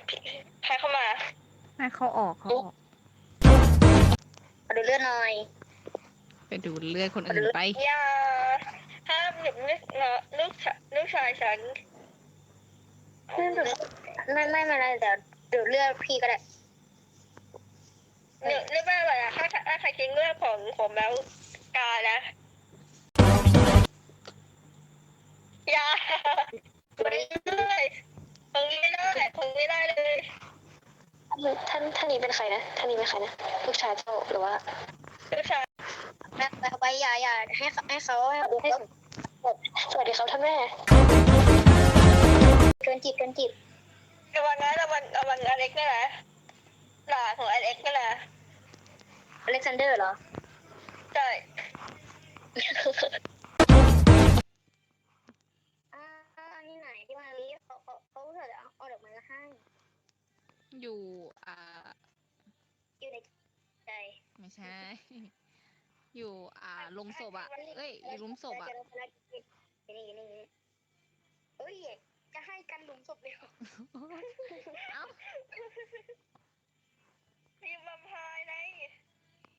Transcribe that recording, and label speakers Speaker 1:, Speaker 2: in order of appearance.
Speaker 1: ใครเข้ามา
Speaker 2: ให้เขาออก
Speaker 1: มาดูเลือดหน่อย
Speaker 2: ไปดูเลือดคนอื่นไป
Speaker 1: อย่าห้ามหยุดลูกชายฉันไม่เป็นไรเดี๋ยวดูเลือดพี่ก็ได้เลือดไม่อะไรอะถ้าใครทิ้งเลือดของผมแล้วกานะอย่าไม่ได้คงไม่ได้เลยท่านนี้เป็นใครนะท่านนี้เป็นใครนะลูกชายเจ้าหรือว่าลูกชายแม่ไปอย่าให้เขาสวัสดีครับท่านแม่เกินจิตระวังนะระวังอเล็กนี่แหละหลานของอเล็กนี่แหละอเล็กซานเดอร์เหรอใช่ที่ไหนที่มาลีเขาเถอะเอาดอกไม้มาให้
Speaker 2: อยู่
Speaker 1: อยู่ในใจ
Speaker 2: ไม่ใช่ อยู่ลงศพเอ้ยอยู่หลุมศพ
Speaker 1: นี่เอ้ยจะให้กันหลุมศพเลยเหรอ
Speaker 2: เอ้า
Speaker 1: ทีมบัมพายไง